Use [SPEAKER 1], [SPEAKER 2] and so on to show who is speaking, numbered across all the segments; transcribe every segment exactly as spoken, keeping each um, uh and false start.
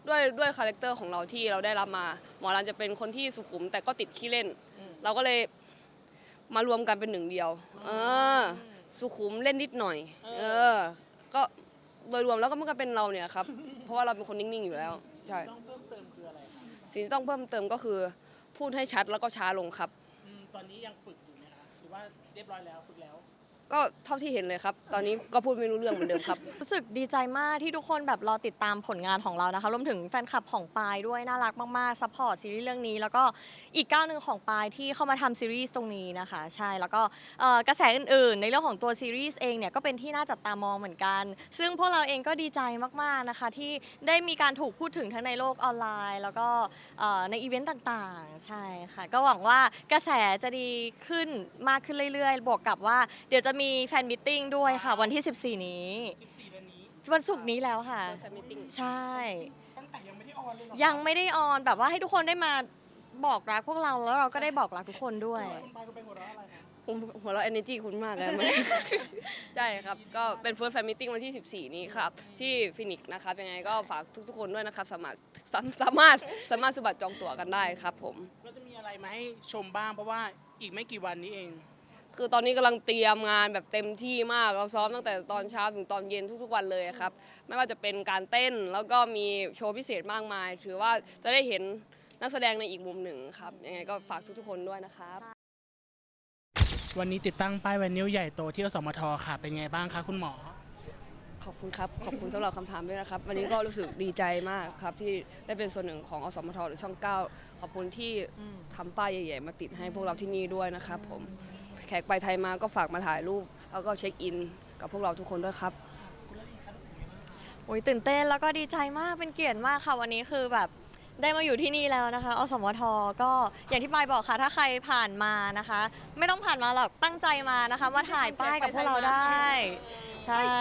[SPEAKER 1] ด้วยด้วยคาแรคเตอร์ของเราที่เราได้รับมาหมอรันจะเป็นคนที่สุขุมแต่ก็ติดขี้เล่นเราก็เลยมารวมกันเป็นหนึ่งเดียวเออสุขุมเล่นนิดหน่อยเออก็โดยรวมแล้วก็มันก็เป็นเราเนี่ยครับเพราะว่าเราเป็นคนนิ่งๆอยู่แล้วใช่
[SPEAKER 2] ต้องเพิ่มเติมคืออะไร
[SPEAKER 1] สิ่งที่ต้องเพิ่มเติมก็คือพูดให้ชัดแล้วก็ช้าลงครับ
[SPEAKER 2] ตอนนี้ยังฝึกอยู่ไหมคะหรือว่าเรียบร้อยแล้วฝึกแล้ว
[SPEAKER 1] ก็เท่าที่เห็นเลยครับตอนนี้ก็พูดไม่รู้เรื่องเหมือนเดิมครับ
[SPEAKER 3] รู้สึกดีใจมากที่ทุกคนแบบรอติดตามผลงานของเรานะคะรวมถึงแฟนคลับของปายด้วยน่ารักมากๆซัพพอร์ตซีรีส์เรื่องนี้แล้วก็อีกก้าวหนึ่งของปายที่เข้ามาทำซีรีส์ตรงนี้นะคะใช่แล้วก็กระแสอื่นๆในเรื่องของตัวซีรีส์เองเนี่ยก็เป็นที่น่าจับตามองเหมือนกันซึ่งพวกเราเองก็ดีใจมากๆนะคะที่ได้มีการถูกพูดถึงทั้งในโลกออนไลน์แล้วก็ในอีเวนต์ต่างๆใช่ค่ะก็หวังว่ากระแสจะดีขึ้นมากขึ้นเรื่อยๆบวกกับว่าเดี๋ยวจะมีแฟนมิทติ้งด้วยค่ะวันที่สิบสี่นี้วันศุกร์นี้แล้วค่ะใช่
[SPEAKER 2] ตั้งแต่ยังไม่ได้ออนเลยหรอ
[SPEAKER 3] ยังไม่ได้ออนแบบว่าให้ทุกคนได้มาบอกรักพวกเราแล้วเราก็ได้บอกรักทุกคนด้วย
[SPEAKER 2] คุณปายคุณเป็นหัวเราะอะไรคะ
[SPEAKER 1] ผมหัวเราะ energy คุณมากเลยใช่ครับก็เป็น first fan meeting วันที่สิบสี่นี้ครับที่ฟินิกส์นะครับยังไงก็ฝากทุกๆคนด้วยนะครับสามารถสามารถสามารถซื้อบัตรจองตั๋วกันได้ครับผม
[SPEAKER 2] เราจะมีอะไรมาให้ชมบ้างเพราะว่าอีกไม่กี่วันนี้เอง
[SPEAKER 1] คือตอนนี้กำลังเตรียมงานแบบเต็มที่มากเราซ้อมตั้งแต่ตอนเช้าถึงตอนเย็นทุกๆวันเลยครับไม่ว่าจะเป็นการเต้นแล้วก็มีโชว์พิเศษมากมายถือว่าจะได้เห็นนักแสดงในอีกมุมหนึ่งครับยังไงก็ฝากทุกๆคนด้วยนะครับ
[SPEAKER 2] วันนี้ติดตั้งป้ายไวนิลใหญ่โตที่อสมทค่ะเป็นไงบ้างคะคุณหมอ
[SPEAKER 1] ขอบคุณครับขอบคุณสำหรับคำถามด้วยนะครับวันนี้ก็รู้สึกดีใจมากครับที่ได้เป็นส่วนหนึ่งของอสมทหรือช่องเก้าขอบคุณที่ทำป้ายใหญ่ๆมาติดให้พวกเราที่นี่ด้วยนะครับผมแขกไปไทยมาก็ฝากมาถ่ายรูปแล้วก็เช็คอินกับพวกเราทุกคนด้วยครับ
[SPEAKER 3] โอ้ยตื่นเต้นแล้วก็ดีใจมากเป็นเกียรติมากค่ะวันนี้คือแบบได้มาอยู่ที่นี่แล้วนะคะอสมทก็อย่างที่ปายบอกค่ะถ้าใครผ่านมานะคะไม่ต้องผ่านมาหรอกตั้งใจมานะคะมาถ่ายป้ายกับพวกเราได้ใช่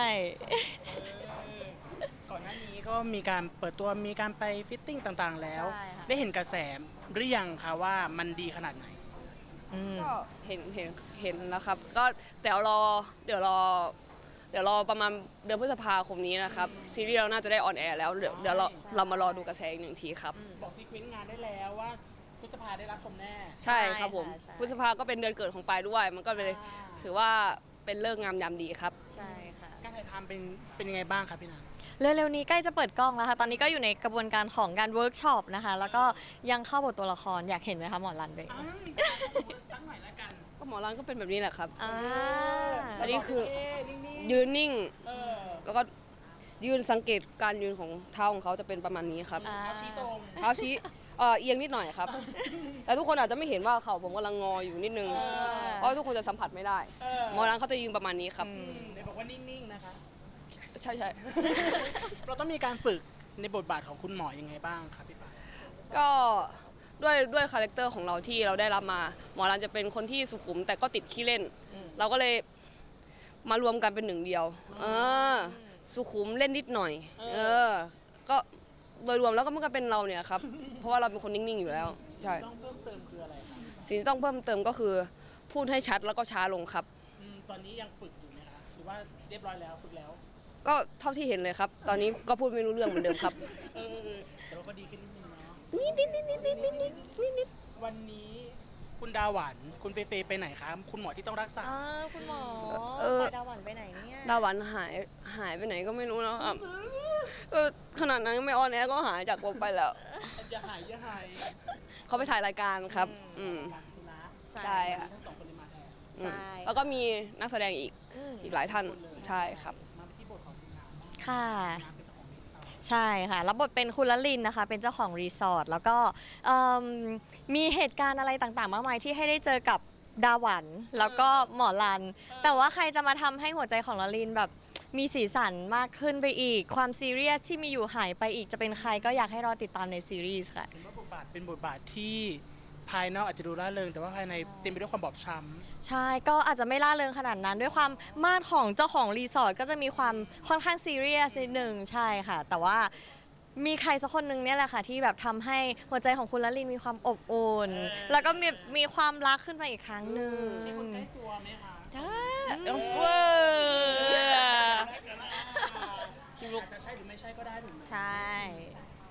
[SPEAKER 2] ก่อนหน้านี้ก็มีการเปิดตัวมีการไปฟิตติ้งต่างๆแล้วได้เห็นกระแสหรือยังคะว่ามันดีขนาดไหน
[SPEAKER 1] ก็เห็นเห็นเห็นแล้วครับก็เดี๋ยวรอเดี๋ยวรอเดี๋ยวรอประมาณเดือนพฤษภาคมนี้นะครับซีรีส์เราน่าจะได้ออนแอร์แล้วเดี๋ยวเดี๋ยวเราเรามารอดูกระแสอีกหนึ่งทีครับ
[SPEAKER 2] บอกซีเควนต์งานได้แล้วว่าพฤษภาได้รับชมแน่
[SPEAKER 1] ใช่ครับผมพฤษภาก็เป็นเดือนเกิดของปายด้วยมันก็เลยถือว่าเป็นเลิกงามยามดีครับ
[SPEAKER 3] ใช่ค่ะ
[SPEAKER 2] การถ่ายทำเป็นเป็นยังไงบ้างครับพี่นาง
[SPEAKER 3] เร็วๆนี้ใกล้จะเปิดกล้องแล้วค่ะตอนนี้ก็อยู่ในกระบวนการของการเวิร์กช็อปนะคะแล้วก็ยังเข้าบทตัวละครอยากเห็นไหมคะหมอรันเบย์
[SPEAKER 2] สักหน่อยละกัน
[SPEAKER 1] ก็หมอรันก็เป็นแบบนี้แหละครับ
[SPEAKER 3] อั
[SPEAKER 1] นนี้คือยืนนิ่งแล้วก็ยืนสังเกตการยืนของเท้าของเขาจะเป็นประมาณนี้ครับ
[SPEAKER 2] เท้าชี้ตรง
[SPEAKER 1] เท้าชี้เอียงนิดหน่อยครับแต่ทุกคนอาจจะไม่เห็นว่าเขาผมกำลังงออยู่นิดนึงเพราะทุกคนจะสัมผัสไม่ได้หมอรันเขาจะยืนประมาณนี้ครับ
[SPEAKER 2] เดี๋ยวบอกว่านิ่งๆนะคะ
[SPEAKER 1] ใช่ใช่
[SPEAKER 2] เราต้องมีการฝึกในบทบาทของคุณหมอยังไงบ้างครับพี่ปาย
[SPEAKER 1] ก็ด้วยด้วยคาแรคเตอร์ของเราที่เราได้รับมาหมอรันจะเป็นคนที่สุขุมแต่ก็ติดขี้เล่นเราก็เลยมารวมกันเป็นหนึ่งเดียวเออสุขุมเล่นนิดหน่อยเออก็โดยรวมแล้วก็มันก็เป็นเราเนี่ยครับเพราะว่าเราเป็นคนนิ่งๆอยู่แล้วใช่
[SPEAKER 2] ต้องเพิ่มเติมคืออะไรครับ
[SPEAKER 1] สิ่งที่ต้องเพิ่มเติมก็คือพูดให้ชัดแล้วก็ช้าลงครับ
[SPEAKER 2] ตอนนี้ยังฝึกอยู่ไหมคะหรือว่าเรียบร้อยแล้วฝึกแล้ว
[SPEAKER 1] ก็เท่าที่เห็นเลยครับตอนนี้ก็พูดไม่รู้เรื่องเหมือนเดิมครับ
[SPEAKER 2] เออแต่ว่าก็ดีขึ้นนิดนึงเนาะ
[SPEAKER 1] นิดนิดนิดนิดนิดนิดนิดนิด
[SPEAKER 2] วันนี้คุณดาหวันคุณเฟเฟไปไหนครับคุณหมอที่ต้องรักษา
[SPEAKER 3] อ่าคุณหมอดาหวันไปไหนเนี่ย
[SPEAKER 1] ดาหวันหายหายไปไหนก็ไม่รู้แล้วครับขนาดนั้นไม่ออนแอร์ก็หายจากวงไปแล้ว
[SPEAKER 2] อย่าหายอย่าหาย
[SPEAKER 1] เขาไปถ่ายรายการครับอืมใช่ค่ะ
[SPEAKER 3] ใช่
[SPEAKER 1] แล้วก็มีนักแสดงอีกอีกหลายท่านใช่ครับ
[SPEAKER 3] ค่ะใช่ค่ะรับบทเป็นคุณละลินนะคะเป็นเจ้าของรีสอร์ทแล้วก็มีเหตุการณ์อะไรต่างๆมากมายที่ให้ได้เจอกับดาหวันแล้วก็หมอรันแต่ว่าใครจะมาทำให้หัวใจของละลินแบบมีสีสันมากขึ้นไปอีกความซีเรียสที่มีอยู่หายไปอีกจะเป็นใครก็อยากให้รอติดตามในซีรีส์ค่ะ
[SPEAKER 2] เป็นบทบาทเป็นบทบาทที่ภายนอกอาจจะดูร่าเริงแต่ว่าภายในเต็มไปด้วยความบอบช้ำ
[SPEAKER 3] ใช่ก็อาจจะไม่ล่าเริงขนาดนั้นด้วยความมาดของเจ้าของรีสอร์ทก็จะมีความค่อนข้างซีเรียสนิดนึงใช่ค่ะแต่ว่ามีใครสักคนนึงเนี่ยแหละค่ะที่แบบทำให้หัวใจของคุณละลินมีความอบอุ่นแล้วก็มีมีความรักขึ้นมาอีกครั้งหนึ่ง
[SPEAKER 2] ใช่คนใกล้ตัวไหมคะ
[SPEAKER 1] ใช่เวอร์
[SPEAKER 2] จะใช่หรือไม่ใช่ก็ได้ถูกไหม
[SPEAKER 3] ใช่
[SPEAKER 2] ใน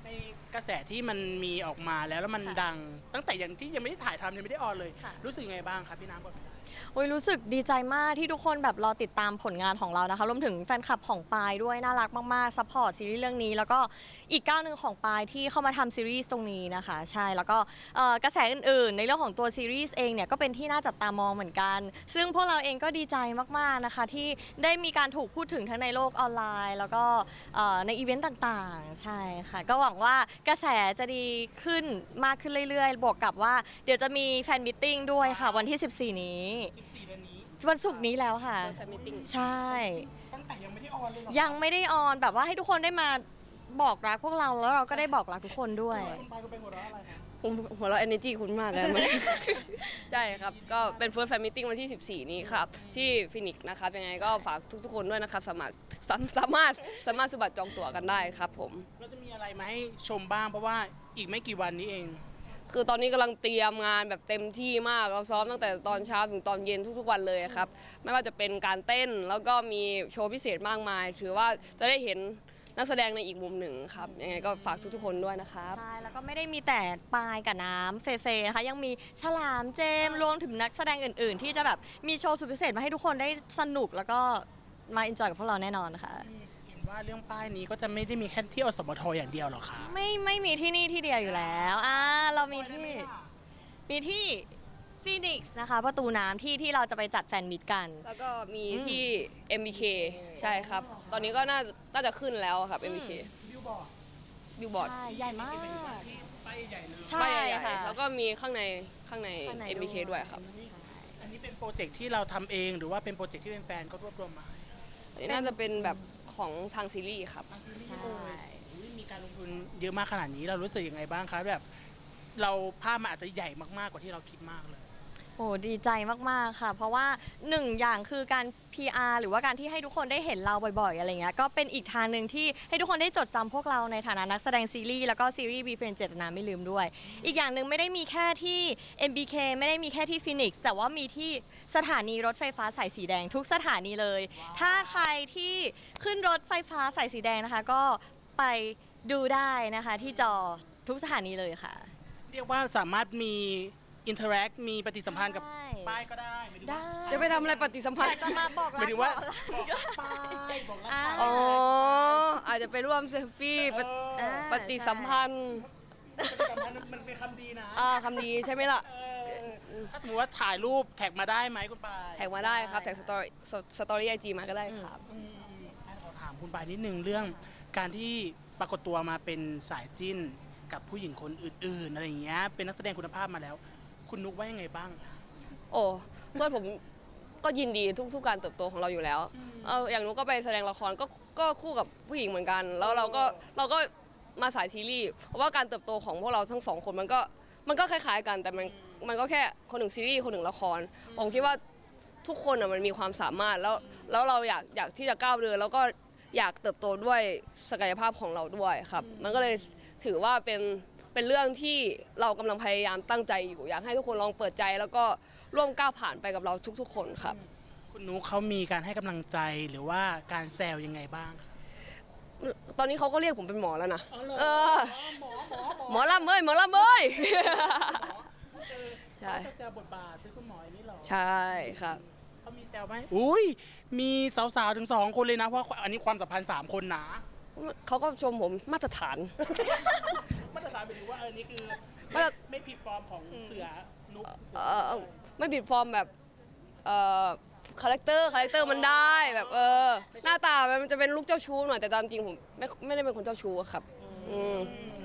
[SPEAKER 2] ในกระแสที่มันมีออกมาแล้วแล้วมัน
[SPEAKER 3] ค่ะ
[SPEAKER 2] ดัง ตั้งแต่ยังที่ยังไม่ได้ถ่ายทำยังไม่ได้ออนเลย
[SPEAKER 3] ค่ะ
[SPEAKER 2] รู้สึกยังไงบ้างครับพี่น้ำก่อน
[SPEAKER 3] โอ้ยรู้สึกดีใจมากที่ทุกคนแบบรอติดตามผลงานของเรานะคะรวมถึงแฟนคลับของปายด้วยน่ารักมากๆซัพพอร์ตซีรีส์เรื่องนี้แล้วก็อีกก้าวหนึ่งของปายที่เข้ามาทำซีรีส์ตรงนี้นะคะใช่แล้วก็เอ่อกระแสอื่นๆ ในเรื่องของตัวซีรีส์เองเนี่ยก็เป็นที่น่าจับตามองเหมือนกัน ซึ่งพวกเราเองก็ดีใจมากๆนะคะที่ได้มีการถูกพูดถึงทั้งในโลกออนไลน์ แล้วก็เอ่อในอีเวนต์ต่างๆ ใช่ค่ะก็หวังว่ากระแสจะดีขึ้นมากขึ้นเรื่อยๆ บวกกับว่าเดี๋ยวจะมีแฟนมิทติ้งด้วยค่ะวันที่ สิบสี่ นี้
[SPEAKER 2] สิบสี่เดือนนี้
[SPEAKER 3] วันศุกร์นี้แล้วค่ะ
[SPEAKER 1] แฟนมิทติ้ง
[SPEAKER 3] ใช่
[SPEAKER 2] ตั้งแต่ยังไม่ได้ออนเลยเหรอ
[SPEAKER 3] ยังไม่ได้ออนแบบว่าให้ทุกคนได้มาบอกรักพวกเราแล้วเราก็ได้บอกรักทุกคนด้วย
[SPEAKER 2] คุณปายคุณเป็นหัวเราะอะไรครับ
[SPEAKER 1] ผมหัวเราะ energy คุณมากเลย ใช่ครับ ก็เป็น first fan meeting วันที่ สิบสี่ นี้ครับ ที่ฟินิกนะครับ ยังไงก็ฝากทุกๆคนด้วยนะครับ สามารถสามสามารถสามารถซื้อบัตรจองตั๋วกันได้ครับผม
[SPEAKER 2] เราจะมีอะไรมาให้ชมบ้างเพราะว่าอีกไม่กี่วันนี้เอง
[SPEAKER 1] คือตอนนี้กำลังเตรียมงานแบบเต็มที่มาก เราซ้อมตั้งแต่ตอนเช้าถึงตอนเย็นทุกๆวันเลยครับ ไม่ว่าจะเป็นการเต้นแล้วก็มีโชว์พิเศษมากมาย ถือว่าจะได้เห็นนักแสดงในอีกมุมหนึ่งครับ ยังไงก็ฝากทุกๆคนด้วยนะครับ
[SPEAKER 3] ใช่ แล้วก็ไม่ได้มีแต่ปายกับน้ำเฟเฟนะคะ ยังมีฉลามเจมส์รวมถึงนักแสดงอื่น ๆ ที่จะแบบมีโชว์สุดพิเศษมาให้ทุกคนได้สนุกแล้วก็มาเอนจอยกับพวกเราแน่นอนค่ะ
[SPEAKER 2] เห็นว่าเรื่องป้ายนี้ก็จะไม่ได้มีแค่ที่อสมทอย่างเดียวหรอกครับ
[SPEAKER 3] ไม่ไม่มีที่นี่ที่เดียวอยู่แล้วอ่าเรามีที่มีที่ฟีนิกซ์นะคะ ประตูน้ำที่ที่เราจะไปจัดแฟนมิตกัน
[SPEAKER 1] แล้วก็มี
[SPEAKER 3] อืม
[SPEAKER 1] ที่ เอ็ม บี เค ใช่ครับ ตอนนี้ก็น่าน่าจะขึ้นแล้วครับ เอ็ม บี เค
[SPEAKER 2] บิวบอร์ด
[SPEAKER 1] บิลบอร์ด
[SPEAKER 3] ใช่ ใหญ่มาก
[SPEAKER 2] ป้ายใหญ่เลย
[SPEAKER 3] ใช่
[SPEAKER 1] ป้ายใหญ่
[SPEAKER 3] ค่ะ
[SPEAKER 1] ๆแล้วก็มีข้างในข้างใน
[SPEAKER 3] ข้างใน
[SPEAKER 1] เอ็ม บี เค
[SPEAKER 3] ด้วย
[SPEAKER 1] ด้วยครับ
[SPEAKER 2] อันนี้เป็นโปรเจกต์ที่เราทำเองหรือว่าเป็นโปรเจกต์ที่เป็นแฟนก็รวบรวมมา
[SPEAKER 1] อันนี้น่าจะเป็นแบบของทางซีรีส์ครับ
[SPEAKER 3] ใช่
[SPEAKER 2] อุ๊ยมีการลงทุนเยอะมากขนาดนี้เรารู้สึกยังไงบ้างครับแบบเราภาพมันอาจจะใหญ่มากๆกว่าที่เราคิดมากเลย
[SPEAKER 3] โอ้ดีใจมาก ๆ ค่ะ เพราะว่าหนึ่งอย่างคือการ พี อาร์ หรือว่าการที่ให้ทุกคนได้เห็นเราบ่อย ๆ อะไรเงี้ย ก็เป็นอีกทางหนึ่งที่ให้ทุกคนได้จดจำพวกเราในฐานะนักแสดงซีรีส์แล้วก็ซีรีส์ Be Friends เจตนาไม่ลืมด้วย อีกอย่างหนึ่งไม่ได้มีแค่ที่ เอ็ม บี เค ไม่ได้มีแค่ที่ฟินิกซ์แต่ว่ามีที่สถานีรถไฟฟ้าสายสีแดงทุกสถานีเลย ถ้าใครที่ขึ้นรถไฟฟ้าสายสีแดงนะคะ ก็ไปดูได้นะคะที่จอทุกสถานีเลยค่ะ
[SPEAKER 2] เรียกว่าสามารถมีอินเทอร์แอคมีปฏิสัมพันธ์กับ
[SPEAKER 3] ได้
[SPEAKER 2] ป้ายก็ได้หมายถึง
[SPEAKER 3] ได้
[SPEAKER 2] ว่า
[SPEAKER 1] จะไปทำอะไรปฏิสัมพัน
[SPEAKER 3] อยาก
[SPEAKER 1] ธ์
[SPEAKER 3] จะมาบอก
[SPEAKER 2] ห
[SPEAKER 3] รั
[SPEAKER 2] มาย
[SPEAKER 3] ก
[SPEAKER 2] ถึงว่า
[SPEAKER 3] บอกรัก
[SPEAKER 2] บอกป้ายบอกรัก
[SPEAKER 3] อ่า
[SPEAKER 2] ป้าย
[SPEAKER 1] อ๋อ อาจจะไปร่วมเซลฟี่ปฏิ
[SPEAKER 2] เออ
[SPEAKER 1] ปฏิสัมพันธ์
[SPEAKER 2] ปฏิสัมพันธ์มันเป็นคำดีนะ
[SPEAKER 1] อ่าคำดีใช่ไหมล่ะ
[SPEAKER 2] เออถ้าสมมติว่าถ่ายรูปแท็กมาได้ไหมคุณปาย
[SPEAKER 1] แท็กมาได้ครับ แท็กสตอรี่สตอรี่ไอจีมาก็ได้ครับ
[SPEAKER 2] อืมอืมให้ขอถามคุณปายนิดนึงเรื่องการที่ปรากฏตัวมาเป็นสายจิ้นกับผู้หญิงคนอื่นๆอะไรอย่างเงี้ยเป็นนักแสดงคุณภาพมาแล้ว คุณนุกว่ายังไงบ้าง
[SPEAKER 1] โอ้เพื่อนผมก็ยินดีทุกทุกการเติบโตของเราอยู่แล้วเอออย่างนุกก็ไปแสดงละครก็ก็คู่กับผู้หญิงเหมือนกัน แล้วเราก็เราก็มาสายซีรีส์เพราะว่าการเติบโตของพวกเราทั้งสองคนมันก็มันก็คล้ายๆกัน แต่มันมันก็แค่คนหนึ่งซีรีส์คนหนึ่งละคร ผมคิดว่าทุกคนอ่ะมันมีความสามารถแล้วแล้วเราอยากอยากที่จะก้าวเดินแล้วก็อยากเติบโตด้วยศักยภาพของเราด้วยครับ มันก็เลยถือว่าเป็นเป็นเรื่องที่เรากำลังพยายามตั้งใจอยู่ อยากให้ทุกคนลองเปิดใจ แล้วก็ร่วมก้าวผ่านไปกับเราทุกๆ คนครับ
[SPEAKER 2] คุณนุกเขามีการให้กำลังใจหรือว่าการแซวยังไงบ้าง
[SPEAKER 1] ตอนนี้เขาก็เรียกผมเป็นหมอแล้วนะ
[SPEAKER 2] อ๋อเหรอ
[SPEAKER 1] เออ
[SPEAKER 2] หมอหมอหมอ
[SPEAKER 1] หมอลำเอ้ยหมอลำเอ้ย
[SPEAKER 2] เออ
[SPEAKER 1] ใช่
[SPEAKER 2] เขาจะแซวบทบาทเป็นคุณหมออย่างนี้เหรอ
[SPEAKER 1] ใช่ครับ
[SPEAKER 2] เขามีแซวไหมอุ้ยมีสาวๆถึงสองคนเลยนะเพราะอันนี้ความสัมพันธ์สามคนนะ
[SPEAKER 1] เขาก็ชมผมมาตรฐาน
[SPEAKER 2] มาตรฐานหมายถึงว่าเออนี่คือ
[SPEAKER 1] มาตร
[SPEAKER 2] ไม่ผิดฟอร์มของเสือนุก
[SPEAKER 1] เออไม่บิดฟอร์มแบบเอ่อคาแรคเตอร์คาแรคเตอร์มันได้แบบเออหน้าตามันจะเป็นลูกเจ้าชู้หน่อยแต่ตามจริงผมไม่ไม่ได้เป็นคนเจ้าชู้อะครับอืม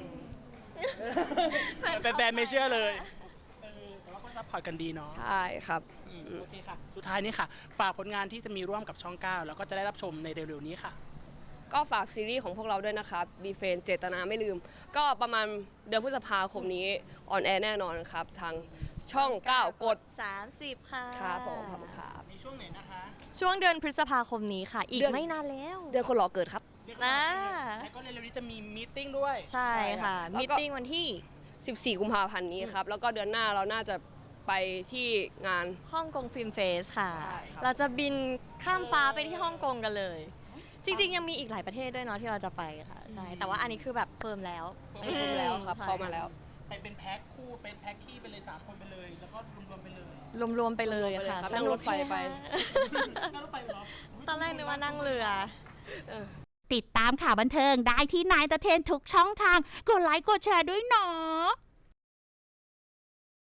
[SPEAKER 2] แฟนๆไม่เชื่อเลยเออแต่ว่าก็ซัพพอร์ตกันดีเนาะ
[SPEAKER 1] ใช่ครับ
[SPEAKER 2] อืมโอเคค่ะ สุดท้ายนี้ค่ะ ฝากผลงานที่จะมีร่วมกับช่องเก้าแล้วก็จะได้รับชมในเร็วๆนี้ค่ะ
[SPEAKER 1] ก็ฝากซีรีส์ของพวกเราด้วยนะครับบีเฟนเจตนาไม่ลืม ก็ประมาณเดือนพฤษภาคมนี้ออนแอร์แน่นอนครับ ทางช่อง เก้ากด
[SPEAKER 3] สามสิบค่ะ
[SPEAKER 1] ครับผมขอบคุณครับ
[SPEAKER 2] ในช่วงไหนนะคะ
[SPEAKER 3] ช่วงเดือนพฤษภาคมนี้ค่ะ อีก
[SPEAKER 1] เดือน
[SPEAKER 3] ไม่นานแล้ว
[SPEAKER 1] เดือนคนหล่อเกิดครับ
[SPEAKER 3] นะ
[SPEAKER 2] แล้วก็เร็วๆนี้จะมีมีตติ้งด้วย
[SPEAKER 3] ใช่ค่ะ
[SPEAKER 1] แล้วก็
[SPEAKER 3] มีตติ้งวันที่
[SPEAKER 1] สิบสี่ กุมภาพันธ์นี้ครับ แล้วก็เดือนหน้าเราน่าจะไปที่งาน
[SPEAKER 3] ฮ่องกงฟิล์มเฟสค่ะ
[SPEAKER 1] ใช่ครับ
[SPEAKER 3] เราจะบินข้ามฟ้าไปที่ฮ่องกงกันเลยจริงๆยังมีอีกหลายประเทศด้วยเนาะที่เราจะไปค่ะใช่แต่ว่าอันนี้คือแบบเฟิร์มแล้ว
[SPEAKER 1] ไม่ครบแล้วครับ
[SPEAKER 3] ใช่
[SPEAKER 1] เข้ามาแล้ว
[SPEAKER 2] ไปเป็นแพ็คคู่เป็นแพ็คขี้ไปเลยสามคนไปเลย แล้วก็รวมๆไปเลย
[SPEAKER 3] รวมๆไปเลยค่ะ
[SPEAKER 1] รวมๆไปเลยครับนั่งรถไฟไป
[SPEAKER 2] นั่งรถไฟเหรอ
[SPEAKER 3] ตอนแรกนึกว่านั่งเรือ
[SPEAKER 4] ติดตามข่าวบันเทิงได้ที่นายตะเทนทุกช่องทาง กดไลค์กดแชร์ด้วยเนาะ